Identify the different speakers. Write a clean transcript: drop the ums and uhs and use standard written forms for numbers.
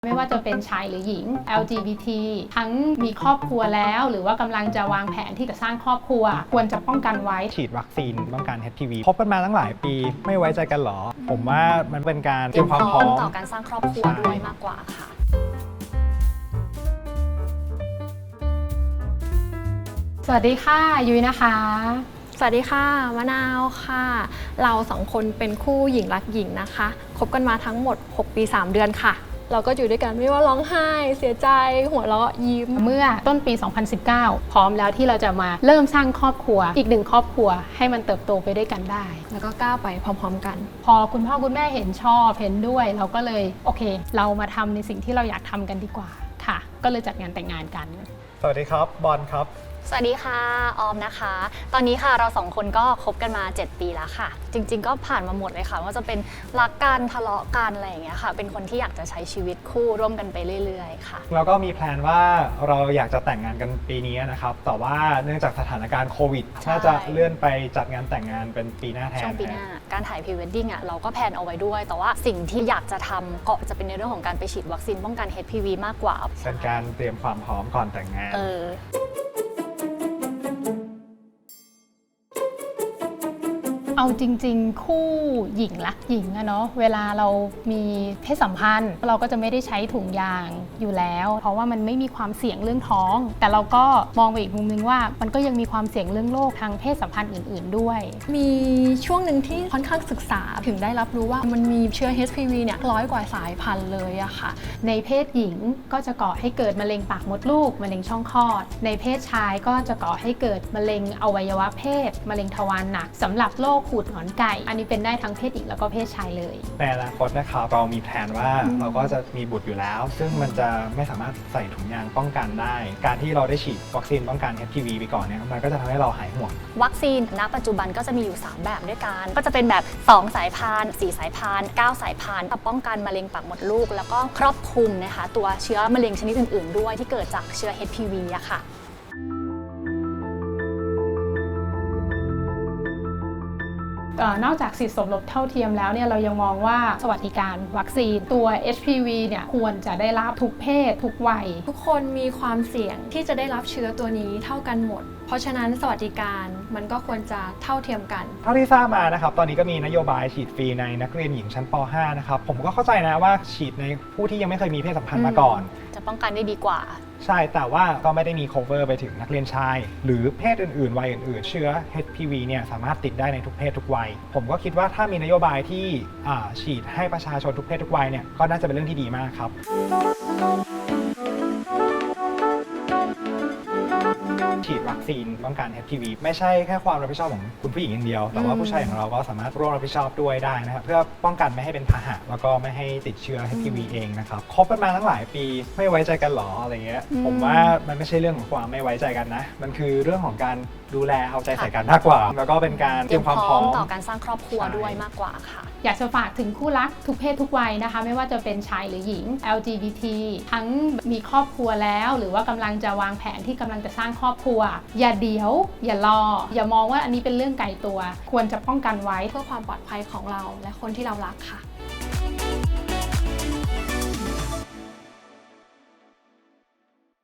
Speaker 1: ไม่ว่าจะเป็นชายหรือหญิง LGBT ทั้งมีครอบครัวแล้วหรือว่ากำลังจะวางแผนที่จะสร้างครอบครัวควรจะป้องกันไว้
Speaker 2: ฉีดวัคซีนป้องกัน HPV คบกันมาตั้งหลายปีไม่ไว้ใจกันหรอผมว่ามันเป็นการเตรียมความพร้อม
Speaker 3: ต่อการสร้างครอบครัวด้วยมากกว่าค่ะ
Speaker 1: สวัสดีค่ะยุ้ยนะคะ
Speaker 3: สวัสดีค่ะมะนาวค่ะเราสองคนเป็นคู่หญิงรักหญิงนะคะคบกันมาทั้งหมด6 ปี 3 เดือนค่ะเราก็อยู่ด้วยกันไม่ว่าร้องไห้เสียใจหัวเราะยิ้ม
Speaker 1: เมื่อต้นปี 2019 พร้อมแล้วที่เราจะมาเริ่มสร้างครอบครัวอีกหนึ่งครอบครัวให้มันเติบโตไปด้วยกันได้
Speaker 3: แล้วก็ก้าวไปพร้อมๆกัน
Speaker 1: พอคุณพ่อคุณแม่เห็นชอบเห็นด้วยเราก็เลยโอเคเรามาทำในสิ่งที่เราอยากทำกันดีกว่าค่ะก็เลยจัดงานแต่งงานกัน
Speaker 2: สวัสดีครับบอลครับ
Speaker 3: สวัสดีค่ะออมนะคะตอนนี้ค่ะเราสองคนก็คบกันมา7 ปีแล้วค่ะจริงๆก็ผ่านมาหมดเลยค่ะว่าจะเป็นรักกันทะเลาะกันอะไรอย่างเงี้ยค่ะเป็นคนที่อยากจะใช้ชีวิตคู่ร่วมกันไปเรื่อยๆค่ะ
Speaker 2: แล้วก็มีแพลนว่าเราอยากจะแต่งงานกันปีนี้นะครับแต่ว่าเนื่องจากสถานการณ์โควิดน่าจะเลื่อนไปจัดงานแต่งงานเป็นปีหน้าแทน
Speaker 3: ช่วงปีหน้าการถ่ายพรีเวดดิ้งอ่ะเราก็แพลนเอาไว้ด้วยแต่ว่าสิ่งที่อยากจะทำก็จะเป็นในเรื่องของการไปฉีดวัคซีนป้องกัน HPV มากกว่า
Speaker 2: เป็นการเตรียมความพร้อมก่อนแต่งงาน
Speaker 1: เอาจริงๆคู่หญิงรักหญิงอะเนาะเวลาเรามีเพศสัมพันธ์เราก็จะไม่ได้ใช้ถุงยางอยู่แล้วเพราะว่ามันไม่มีความเสี่ยงเรื่องท้องแต่เราก็มองไปอีกมุมนึงว่ามันก็ยังมีความเสี่ยงเรื่องโรคทางเพศสัมพันธ์อื่นๆด้วย
Speaker 3: มีช่วงหนึ่งที่ค่อนข้างศึกษาถึงได้รับรู้ว่ามันมีเชื้อ HPV เนี่ย100 กว่าสายพันธุ์เลยอะค่ะ
Speaker 1: ในเพศหญิงก็จะก่อให้เกิดมะเร็งปากมดลูกมะเร็งช่องคลอดในเพศชายก็จะก่อให้เกิดมะเร็งอวัยวะเพศมะเร็งทวารหนักสำหรับโรคขูดหงอนไก่อันนี้เป็นได้ทั้งเพศหญิงแล้วก็เพศชายเลย
Speaker 2: ในอนาคตนะครับเรามีแผนว่าเราก็จะมีบุตรอยู่แล้วซึ่งมันจะไม่สามารถใส่ถุงยางป้องกันได้การที่เราได้ฉีดวัคซีนป้องกัน HPV ไปก่อนเนี่ยมันก็จะทำให้เราหายห่วง
Speaker 3: วัคซีนณปัจจุบันก็จะมีอยู่3แบบด้วยกันก็จะเป็นแบบ2 สายพันธุ์4 สายพันธุ์9 สายพันธุ์ป้องกันมะเร็งปากมดลูกแล้วก็ครอบคลุมนะคะตัวเชื้อมะเร็งชนิดอื่นๆด้วยที่เกิดจากเชื้อ HPV อะค่ะ
Speaker 1: นอกจากสิทธิสมรสเท่าเทียมแล้วเนี่ยเรายังมองว่าสวัสดิการวัคซีนตัว HPV เนี่ยควรจะได้รับทุกเพศทุกวัย
Speaker 3: ทุกคนมีความเสี่ยงที่จะได้รับเชื้อตัวนี้เท่ากันหมดเพราะฉะนั้นสวัสดิการมันก็ควรจะเท่าเทียมกัน
Speaker 2: เท่าที่ทราบมานะครับตอนนี้ก็มีนโยบายฉีดฟรีในนักเรียนหญิงชั้นป .5 นะครับผมก็เข้าใจนะว่าฉีดในผู้ที่ยังไม่เคยมีเพศสัมพันธ์มาก่อน
Speaker 3: จะป้องกันได้ดีกว่า
Speaker 2: ใช่แต่ว่าก็ไม่ได้มี cover ไปถึงนักเรียนชายหรือเพศอื่นๆวัยอื่นๆเชื้อ HPV เนี่ยสามารถติดได้ในทุกเพศทุกวัยผมก็คิดว่าถ้ามีนโยบายที่ฉีดให้ประชาชนทุกเพศทุกวัยเนี่ยก็น่าจะเป็นเรื่องที่ดีมากครับฉีดวัคซีนป้องกัน HPV ไม่ใช่แค่ความรับผิดชอบของคุณผู้หญิงอย่างเดียวแต่ว่าผู้ชายของเราก็สามารถร่วมรับผิดชอบด้วยได้นะครับเพื่อป้องกันไม่ให้เป็นพาหะแล้วก็ไม่ให้ติดเชื้อ HPV เองนะครับคบกันมาตั้งหลายปีไม่ไว้ใจกันหรออะไรเงี้ยผมว่ามันไม่ใช่เรื่องของความไม่ไว้ใจกันนะมันคือเรื่องของการดูแลเอาใจใส่กันมากกว่าแล้วก็เป็นการเตรียมความพร้อม
Speaker 3: ต่อการสร้างครอบครัวด้วยมากกว่าค่ะ
Speaker 1: อยากจะฝากถึงคู่รักทุกเพศทุกวัยนะคะไม่ว่าจะเป็นชายหรือหญิง LGBT ทั้งมีครอบครัวแล้วหรือว่ากำลังจะวางแผนที่กำลังจะสร้างครอบครัวอย่าเดี๋ยวอย่ารออย่ามองว่าอันนี้เป็นเรื่องไกลตัวควรจะป้องกันไว้
Speaker 3: เพื่อความปลอดภัยของเราและคนที่เรารักค่ะ